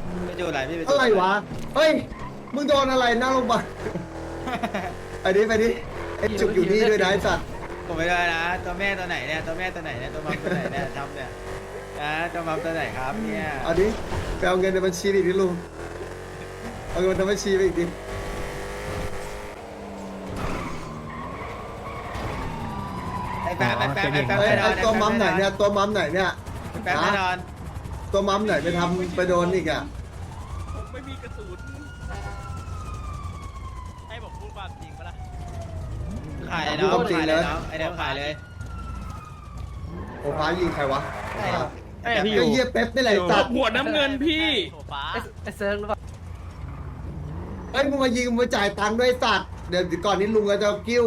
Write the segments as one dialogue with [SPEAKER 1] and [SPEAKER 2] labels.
[SPEAKER 1] ไปจูนอะไรพี่ไปจูน
[SPEAKER 2] อะไรวะเฮ้ยมึงโดนอะไรหน้าโรงพยาบาลไปดิไอ้จุกอยู่นี่ด้วยนะไอ้สัตว์
[SPEAKER 1] ผมไม่ได้นะตัวแม่ตัวไหนเนี่ยตัวแม่ตัวไหนเนี่ยตัวมัมตัวไหนเนี่ยทำเนี่ยนะตัวมัมตัวไหนครับเนี่ย
[SPEAKER 2] เอาดิไปเอาเงินในบัญชีอีกดิลุงเอาเงินในบัญชีไปอีกดิ
[SPEAKER 1] ไอ้แป๊บไอ้แป๊บไอ้แป๊บ
[SPEAKER 2] เฮ้ย
[SPEAKER 1] แน่นอ
[SPEAKER 2] ไอ้
[SPEAKER 1] น
[SPEAKER 2] ตัวมัมไหนเนี่ยตัวมัมไหนเนี่ย
[SPEAKER 1] แป๊บแน่นอน
[SPEAKER 2] ตัวมัมไหนไปทำไปโดนอีกอ่ะ
[SPEAKER 3] ผมไม่มีกระสุนให้ผมพูดความจริงปะล่ะ
[SPEAKER 1] ขายเลยน้องขายเลยน้องไอ้เดิมขายเลย
[SPEAKER 2] โอ้ฟ้ายิงใครวะ
[SPEAKER 1] ไอ้
[SPEAKER 2] ก็เยี่ยเป๊ปนี่แหละไอ้สัตว์
[SPEAKER 3] หัวน้ำเงินพี่
[SPEAKER 4] ไอ้เซิร์ฟหรือเปล่า
[SPEAKER 2] เฮ้ยมึงมายิงมึงมาจ่ายตังค์ด้วยไอ้สัตว์เดี๋ยวก่อนนี้ลุงก็จะกิ้ว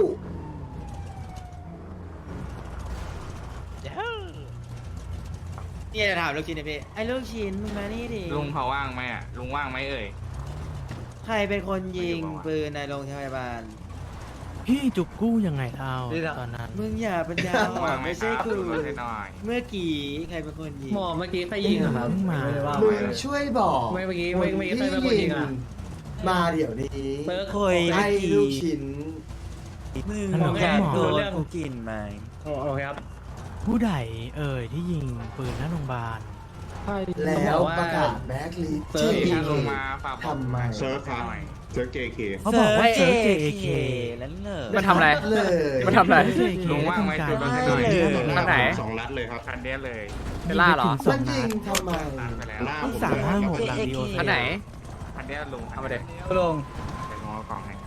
[SPEAKER 1] นี่จะถามลูกชิ้นนะพี่ไอ้ลูกชิ้นมึงมานี่ดิ
[SPEAKER 5] ลุงเขาว่างไหมอ่ะ ลุงว่างไหมเอ่ย
[SPEAKER 1] ใครเป็นคนยิงปืนในโรงพยาบาล
[SPEAKER 6] พี่จุกกู้ยังไงเท่าตอนนั้น
[SPEAKER 1] มึงอย่าปัญญาอ่อ
[SPEAKER 5] ว่าน งไหม
[SPEAKER 1] ไม่
[SPEAKER 5] ค
[SPEAKER 1] ใช่
[SPEAKER 5] รับ
[SPEAKER 1] กู
[SPEAKER 5] ลุงช่วยหน่อย
[SPEAKER 1] เมื่อกี้ใครเป็นคนยิง
[SPEAKER 4] หมอเมื่อกี้ใครยิงอะครับ
[SPEAKER 6] เพิ่งมา
[SPEAKER 4] ไได้ว่า
[SPEAKER 2] มึ
[SPEAKER 4] ไว้
[SPEAKER 2] งช่วยบอก
[SPEAKER 4] ไม่เมื่อกี้ไม่ใครเป็นคนยิงอะ
[SPEAKER 2] มาเดี๋ยวนี้
[SPEAKER 4] เบิร์ก
[SPEAKER 1] คอย
[SPEAKER 2] ไอ้ลูกชิ้น
[SPEAKER 1] มึง
[SPEAKER 6] หมอ
[SPEAKER 1] อยากโดน
[SPEAKER 4] เรื่อง
[SPEAKER 1] กูกินไหม
[SPEAKER 4] โอเคครับ
[SPEAKER 6] ผู้ใดเอ่ยที่ยิงปืนหน้าโรงพยาบาล
[SPEAKER 2] แล้วประกาศแบ็คลิสต์
[SPEAKER 5] ที่
[SPEAKER 2] ที่
[SPEAKER 5] ถ้าลุงมาฝากบอก
[SPEAKER 2] ทำไม
[SPEAKER 5] เซิร์ฟครับเซิร์ฟ JK
[SPEAKER 6] เขาบอกว่าเซิร์ฟ JAK
[SPEAKER 1] แล้วเหรอ
[SPEAKER 7] มันทำอะไร
[SPEAKER 2] เลย
[SPEAKER 7] มันทำอะไร
[SPEAKER 5] ลุงว่างไหมจุดกันหน่อย
[SPEAKER 7] อันไหน
[SPEAKER 5] 2 นัดเลยครับคันเนี้ยเลย
[SPEAKER 7] เบลล่าเหรอ
[SPEAKER 2] มันยิงทำไม
[SPEAKER 5] นัดไปแล้ว
[SPEAKER 6] เพิ่ง356หลังดีโอ
[SPEAKER 7] อันไหน
[SPEAKER 5] คันเนี้ยลุง
[SPEAKER 7] เอามาเด็
[SPEAKER 4] ลง
[SPEAKER 5] เดี๋ยวลุงเอากล่องให้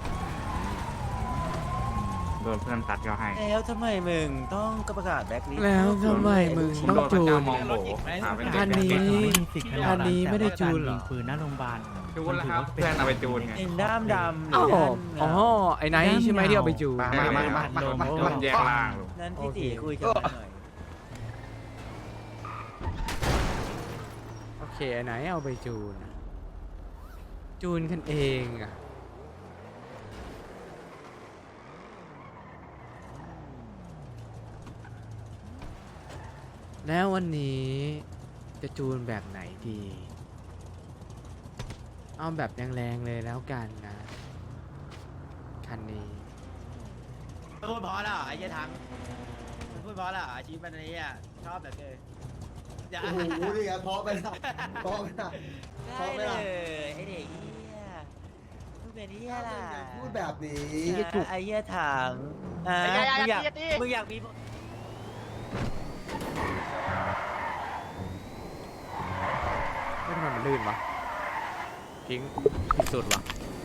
[SPEAKER 5] โดนเพื่อนตัดก็ให้
[SPEAKER 1] แล้วทำไมมึงต้องประกาศแบ็คลิสต์
[SPEAKER 7] แล้วทำไมมึง
[SPEAKER 5] ผม
[SPEAKER 7] ต้อง
[SPEAKER 5] โดนพระ
[SPEAKER 7] จู
[SPEAKER 5] เจ้าน มองโบหาเป็น
[SPEAKER 7] อั
[SPEAKER 5] เด็ก
[SPEAKER 7] นนี้
[SPEAKER 5] แก๊ง
[SPEAKER 6] ไม่มีสิทธิ์ขนาด
[SPEAKER 7] อันนี้ไม่ได้จูนเหรอ
[SPEAKER 6] ยิงปืนหน้าโรงพยาบาล
[SPEAKER 5] จูนแล้วครับเพื่อนเอาไปจูนไง
[SPEAKER 1] เอ็นด้ามดำห
[SPEAKER 7] อ๋
[SPEAKER 1] รือ อ
[SPEAKER 7] อ๋อไอ้ไนท์ใช่ไหมที่เอาไปจูน
[SPEAKER 5] มันแยกล่างลุง
[SPEAKER 1] นั่นพี่ตีคุยกันหน่อย
[SPEAKER 7] โอเคไอ้ไนท์เอาไปจูนจูนกันเองอะแล้ววันนี้จะจูนแบบไหนดี เอาแบบแรงๆเลยแล้วกันนะ คันนี้
[SPEAKER 1] พูดเพราะแล้วไอ้เหี้ยทั้งพูดเพราะแล้วอาชีพมันนี้อ่ะชอบแบบเกินอย่า
[SPEAKER 2] โอ้โหนี่ไงเพราะไปละเพราะไปละ
[SPEAKER 1] ได้เลยไอ้เด็กเหี้ยพูดเป็นเหี้ยล่ะ
[SPEAKER 2] พูดแบบนี้
[SPEAKER 1] ไอ้เหี้ยถังมึงอยากมี
[SPEAKER 7] ไม่ทำไมมันลื่นวะทิ้งผิดสุดวะ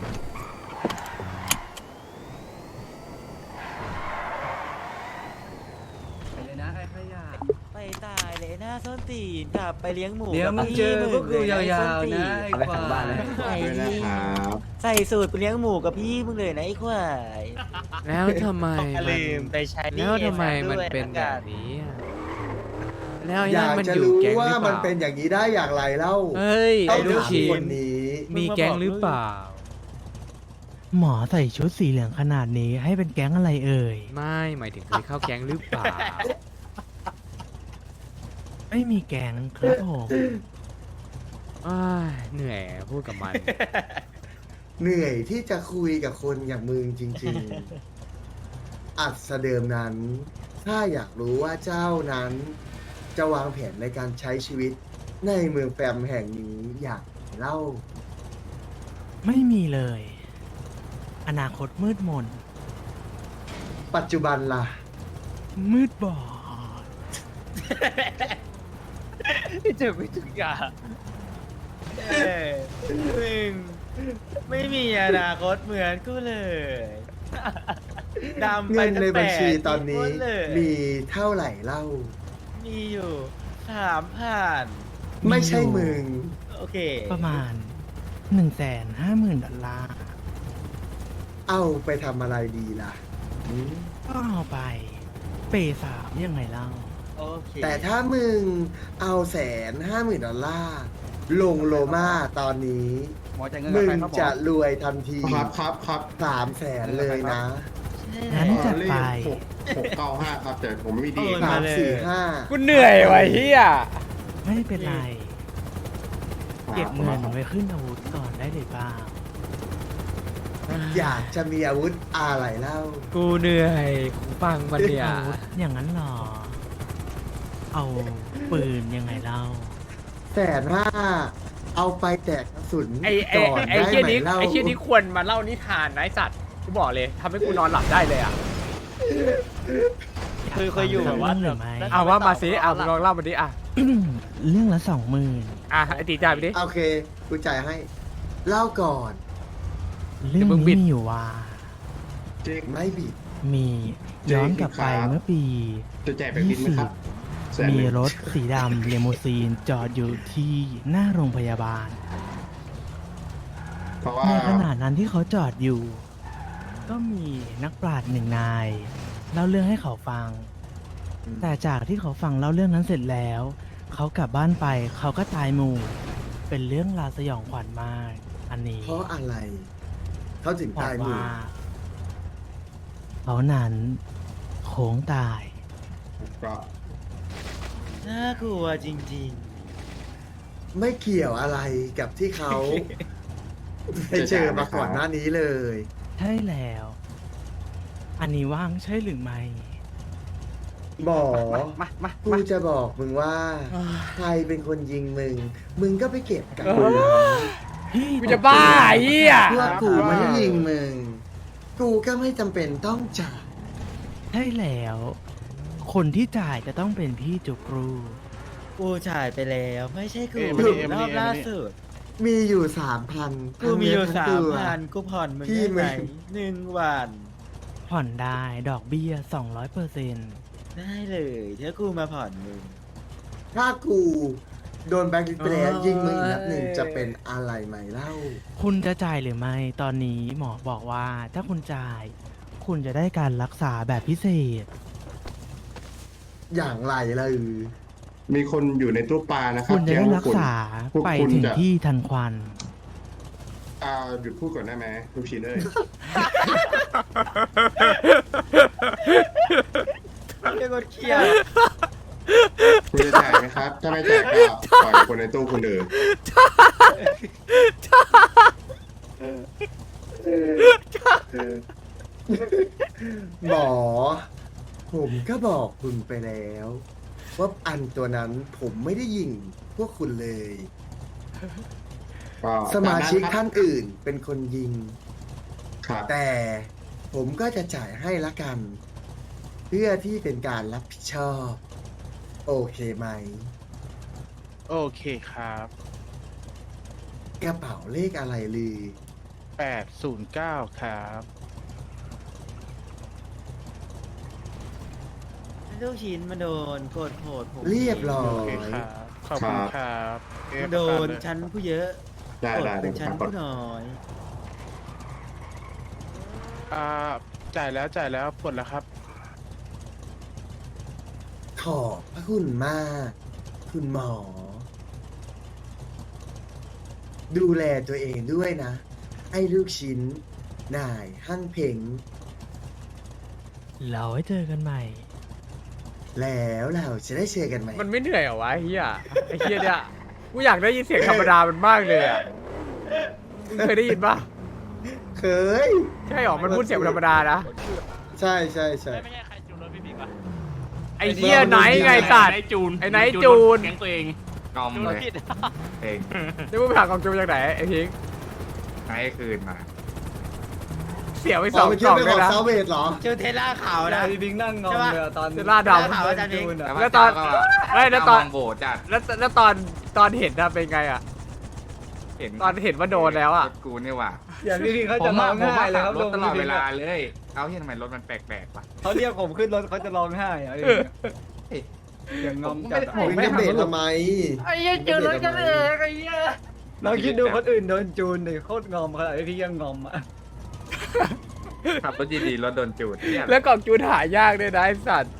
[SPEAKER 4] ไปเลยนะไอ้ขยะ
[SPEAKER 1] ไปตายเลยหน้าส้นตีนกลับไปเลี้ยงหมู
[SPEAKER 4] เดี๋ยวมึงเจอพวกกูยาวๆนะไอ้ควาย
[SPEAKER 1] ไอ้นี่ใส่สูตรไปเลี้ยงหมูกับพี่มึงเลยนะไอ้ควาย
[SPEAKER 7] แล้วทำไมมัน
[SPEAKER 1] ลืมไปใช้
[SPEAKER 7] แล้วทำไมมันเป็นแบบนี้อะแล้วไอ้
[SPEAKER 2] อ
[SPEAKER 7] นั่
[SPEAKER 2] ยาน ก
[SPEAKER 7] มัน
[SPEAKER 2] จะ
[SPEAKER 7] อยู่
[SPEAKER 2] รู้
[SPEAKER 7] แก๊งห
[SPEAKER 2] ว่า
[SPEAKER 7] รือเป
[SPEAKER 2] มัน
[SPEAKER 7] ล่า
[SPEAKER 2] เป็นอย่างนี้ได้อย่างไรเล่า
[SPEAKER 7] เฮ้ย
[SPEAKER 2] ต้อ
[SPEAKER 7] ไอ้
[SPEAKER 2] ง
[SPEAKER 7] ลูก
[SPEAKER 2] ถาม
[SPEAKER 7] ชิ้
[SPEAKER 2] คน นนี้
[SPEAKER 7] มีแก๊งหรือเปล่า
[SPEAKER 6] หมอใส่ชุดสีเหลืองขนาดนี้ให้เป็นแก๊งอะไรเอ่ย
[SPEAKER 7] ไม่หมายถึงเคยเข้าแก๊งหรือเปล่า
[SPEAKER 6] ไม่มีแก๊งครับผม
[SPEAKER 7] อ้ายเหนื่อยพูดกับมัน
[SPEAKER 2] เหนื่อยที่จะคุยกับคนอย่างมึงจริงๆ อัศเดิมนั้น ถ้าอยากรู้ว่าเจ้านั้น จะวางแผนในการใช้ชีวิตในเมืองแฟมแห่งนี้อยากเล่า
[SPEAKER 6] ไม่มีเลย อนาคตมืดมน
[SPEAKER 2] ปัจจุบันล่ะ
[SPEAKER 6] มืดบอด
[SPEAKER 1] เจอไม่ทุกอย่างมึงไม่มีอนาคตเหมือนกูเลยดำไป
[SPEAKER 2] เงินในบัญชีตอนนี้
[SPEAKER 1] เลย
[SPEAKER 2] มีเท่าไหร่เล่า
[SPEAKER 1] มีอยู่3,000
[SPEAKER 2] ไม่ใช่มึง
[SPEAKER 1] โอเค
[SPEAKER 6] ประมาณ 150,000 ดอลลาร์
[SPEAKER 2] เอาไปทำอะไรดีล่ะหืม
[SPEAKER 6] ก็เอาไป เปย์สามยังไงเล่า
[SPEAKER 1] โอเค
[SPEAKER 2] แต่ถ้ามึงเอา$150,000ลงโลมาตอนนี้ มึงจะรวยทันที
[SPEAKER 5] ครับ
[SPEAKER 2] 300,000เลยนะ
[SPEAKER 6] งั้นจัดไป
[SPEAKER 5] 695ครับแต่ผมไม่มีดี
[SPEAKER 2] 3 4 5
[SPEAKER 7] กูเหนื่อยว่ะเฮีย
[SPEAKER 6] ไม่เป็นไร
[SPEAKER 5] ผ
[SPEAKER 6] เก็บเงินไว้ขึ้นอาวุธก่อนได้เลยเปล่า
[SPEAKER 2] อยากจะมีอาวุธอะไรเล่า
[SPEAKER 7] กูเหนื่อยกูฟังมันเนี่ย
[SPEAKER 6] อาวุธอย่างนั้นเหรอ เอาปืนยังไงเล่า
[SPEAKER 2] 150,000เอาไปแตกกระสุน
[SPEAKER 7] ไอ้
[SPEAKER 2] ก่อน
[SPEAKER 7] ไอ้
[SPEAKER 2] ได้
[SPEAKER 7] เชี่ย
[SPEAKER 2] ไหม
[SPEAKER 7] นี้
[SPEAKER 2] เล่า
[SPEAKER 7] ไอ้เชี่ยนี้ควรมาเล่านิทานนะไอ้สัตว์กูบอกเลยทำให้กูนอนหลับได้เลยอ่ะ
[SPEAKER 3] เคยอยู่แบบว่า
[SPEAKER 6] เรื่องหรือไม่
[SPEAKER 7] เอาว่ามาสิมึงลองเล่ามาดิอ่ะ
[SPEAKER 6] เรื่องละ20,000
[SPEAKER 7] อ่ะไอ้ตีจ่ายไปดิ
[SPEAKER 2] โอเคกูจ่ายให้ เล่าก่อน
[SPEAKER 6] เรื่อง
[SPEAKER 7] มึงบิ
[SPEAKER 6] นี้
[SPEAKER 7] ด
[SPEAKER 6] มีอยู่ว่า
[SPEAKER 2] ไม่บิด
[SPEAKER 6] มีย้อนกลับไปเมื่อปี
[SPEAKER 5] จะแจกแบบบินไหมครับแสนห
[SPEAKER 6] มี
[SPEAKER 5] นึ่ง
[SPEAKER 6] รถสีดำเลโมซีนจอดอยู่ที่หน้าโรงพยาบาล
[SPEAKER 5] เพราะว่า
[SPEAKER 6] ในขณะนั้นที่เขาจอดอยู่ ก็มีนักปราชญ์หนึ่งนายเล่าเรื่องให้เขาฟัง แต่จากที่เขาฟังเล่าเรื่องนั้นเสร็จแล้ว เขากลับบ้านไปเขาก็ตายหมู่ เป็นเรื่องราวสยองขวัญมาก อันนี้
[SPEAKER 2] เพราะอะไร เขาถึง
[SPEAKER 6] บอ
[SPEAKER 2] ตาก ยหมู่
[SPEAKER 6] ว่าเขานั้นโค้งตาย
[SPEAKER 5] ก็
[SPEAKER 1] น่ากลัวจริง
[SPEAKER 2] ไม่เกี่ยวอะไรกับที่เขา ไปเจอมาก่อนหน้านี้เลย
[SPEAKER 6] ใช่แล้ว อันนี้ว่างใช่หรือไม่
[SPEAKER 2] หมอกูจะบอกมึงว่า ใครเป็นคนยิงมึง มึงก็ไปเก็บกัน
[SPEAKER 6] พี่
[SPEAKER 7] กูจะบ้าไอ้เหี้ย
[SPEAKER 2] เพื่อกูไม่ได้ยิงมึง กูก็ไม่จำเป็นต้องจ่าย
[SPEAKER 6] ใช่แล้ว คนที่จ่ายจะต้องเป็นพี่จุกรู
[SPEAKER 1] ๆ กูจ่ายไปแล้ว ไม่ใช่กู
[SPEAKER 2] เอ้ยมานี่
[SPEAKER 1] รอบล่าสุด
[SPEAKER 2] มีอยู่3,000
[SPEAKER 1] กูมีอยู่
[SPEAKER 2] ทั้งเนื้ทั้งตัว
[SPEAKER 1] 3,000 กูผ่อนมึง
[SPEAKER 2] พี่
[SPEAKER 1] ได้ไหม
[SPEAKER 2] มึง
[SPEAKER 1] 1 วัน
[SPEAKER 6] ผ่อนได้ดอกเบี้ย 200%
[SPEAKER 1] ได้เลยถ้ากูมาผ่อนมึง
[SPEAKER 2] ถ้ากูโดนแบล็คลิสต์ไปแล้วยิงมึงอีกนัดหนึ่งจะเป็นอะไรไหมเล่า
[SPEAKER 6] คุณจะจ่ายหรือไม่ ตอนนี้หมอบอกว่าถ้าคุณจ่าย คุณจะได้การรักษาแบบพิเศษ
[SPEAKER 2] อย่างไรเลย
[SPEAKER 5] มีคนอยู่ในตู้ปลานะครั
[SPEAKER 6] คุ
[SPEAKER 5] บ
[SPEAKER 6] ณจะได้รักษา
[SPEAKER 5] พวก
[SPEAKER 6] ไป
[SPEAKER 5] คุณ
[SPEAKER 6] ถึง
[SPEAKER 5] จะ
[SPEAKER 6] ที่ทันควัน
[SPEAKER 5] หยุดพูดก่อนได้ไหมลูกชิ้นเอ้ย
[SPEAKER 1] เรียกว่าเครียด
[SPEAKER 5] คุณจะจ่ายไหมครับ ถ้าไม่จ่ายก็ปล่อยคนในตู้คนอื่น
[SPEAKER 2] หมอ ผมก็บอกคุณไปแล้ว ว่าอันตัวนั้นผมไม่ได้ยิงพวกคุณเลย
[SPEAKER 5] ก็
[SPEAKER 2] สมาชิก
[SPEAKER 5] ต
[SPEAKER 2] ท่านอื่นเป็นคนยิง
[SPEAKER 5] ครับ
[SPEAKER 2] แต่ผมก็จะจ่ายให้ละกัน เพื่อที่เป็นการรับผิดชอบ โอเคไหม
[SPEAKER 8] โอเคครับ
[SPEAKER 2] กระเป๋าเลขอะไรลือ
[SPEAKER 8] 809 ครับ
[SPEAKER 1] ลูกชิ้นมาโดนโกดโหดผม
[SPEAKER 2] เรียบร้อ
[SPEAKER 8] โอเค
[SPEAKER 2] ย
[SPEAKER 8] ครับ ขอบคุณครับ
[SPEAKER 1] โดนชั้นผู้เยอะ
[SPEAKER 5] ได้
[SPEAKER 1] กด
[SPEAKER 5] ได้
[SPEAKER 1] เป็นชั้น
[SPEAKER 5] กด
[SPEAKER 1] ผู้น้อย
[SPEAKER 8] จ่ายแล้วปลดแล้วครับ
[SPEAKER 2] ขอบพระคุณมาก คุณหมอ ดูแลตัวเองด้วยนะ ไอ้ลูกชิ้น นายหั่งเพ่ง
[SPEAKER 6] เราไว้เจอกันใหม่
[SPEAKER 2] แล้วเราจะได้เจอกันไหม
[SPEAKER 7] มันไม่เหนื่อยเหรอวะไอ้เหี้ยไอ้เหี้ยเนี่ยกูอยากได้ยินเสียงธรรมดามันมากเลยอ่ะมึงเคยได้ยินปะ
[SPEAKER 2] เคย
[SPEAKER 7] ใช่หรอมันพูดเสียงธรรมดานะ
[SPEAKER 2] ใช่ใช่ใช่
[SPEAKER 3] ไม่ใช่ใครจูนรถพี่บิ๊กวะ
[SPEAKER 7] ไอ้เหี้ยไหนไงสัตว์
[SPEAKER 3] ไอ้จูน
[SPEAKER 7] ไอ้ไหนจูน
[SPEAKER 3] แก๊งตัวเอง
[SPEAKER 5] งอม
[SPEAKER 3] จูน
[SPEAKER 5] เล
[SPEAKER 3] รถ
[SPEAKER 5] ย
[SPEAKER 3] ผิด
[SPEAKER 5] เอง
[SPEAKER 7] นี่มึงไปหากองจูนจากไหนไอ้พิงค์
[SPEAKER 5] ให้คืนมา
[SPEAKER 7] เสียไป
[SPEAKER 2] ส
[SPEAKER 7] ส
[SPEAKER 2] อ
[SPEAKER 7] อง ง
[SPEAKER 2] ไป
[SPEAKER 7] ก
[SPEAKER 2] คิด
[SPEAKER 7] ล่อง
[SPEAKER 2] ไป
[SPEAKER 7] เล
[SPEAKER 2] ขอย ง
[SPEAKER 7] นะ
[SPEAKER 2] ซาเวดเหรอ
[SPEAKER 1] เจอเทสลาขาวนะ
[SPEAKER 4] ดิงนั่งงอมเลยอะตอน
[SPEAKER 7] เซล่าดำ
[SPEAKER 1] ขาวอาจารย์เอง
[SPEAKER 4] จูนอะ
[SPEAKER 7] แล้วตอนเอ้ยแล้วตอน
[SPEAKER 5] มองโบจัด
[SPEAKER 7] แล้วตอนเห็นน่ะเป็นไงอ่ะ
[SPEAKER 5] เห็น
[SPEAKER 7] ตอนเห็นว่าโดนแล้วอะ
[SPEAKER 5] รถกูเนี่ยว่ะ
[SPEAKER 4] อย่างที่พี่เขา
[SPEAKER 5] ผ
[SPEAKER 4] จะ
[SPEAKER 5] ม
[SPEAKER 4] ร้
[SPEAKER 5] อะ
[SPEAKER 4] อง
[SPEAKER 5] ผม
[SPEAKER 4] ไห้
[SPEAKER 5] ว่า
[SPEAKER 4] เลย
[SPEAKER 5] ขั
[SPEAKER 4] ครับ บ
[SPEAKER 5] รถตลอด
[SPEAKER 4] พี่
[SPEAKER 5] เวลาเลย เอาที่ทำไมรถมันแปลกๆวะ
[SPEAKER 4] เขาเรียกผมขึ้นรถเขาจะร้องไห้อะอย่างงอมจัดอะ
[SPEAKER 2] ผมไม่ได้เบรกทำไม
[SPEAKER 4] ไอ้เหี้ยจูนรถกันเองไอ้เหี้ยลองคิดดูคนอื่นโดนจูนดิโคตรงอมขนาดที่พี่ยังงอมอ่ะ
[SPEAKER 5] ขับรถดีๆรถโดนจูดเนี่ย
[SPEAKER 7] แล้วกล่องจูนหายากด้วยนะไอ้สัตว์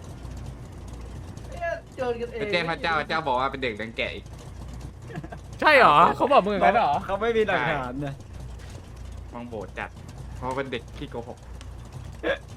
[SPEAKER 4] จูนกันเอง
[SPEAKER 5] ไปแจ้งพระเจ้าบอกว่าเป็นเด็กดังแกะอีก
[SPEAKER 7] ใช่เหรอเขาบอกมึงอย่างนั้นเหรอ
[SPEAKER 4] เขาไม่มีหลักฐานนะ
[SPEAKER 5] มองโบจัด เพราะเป็นเด็กขี้โกหก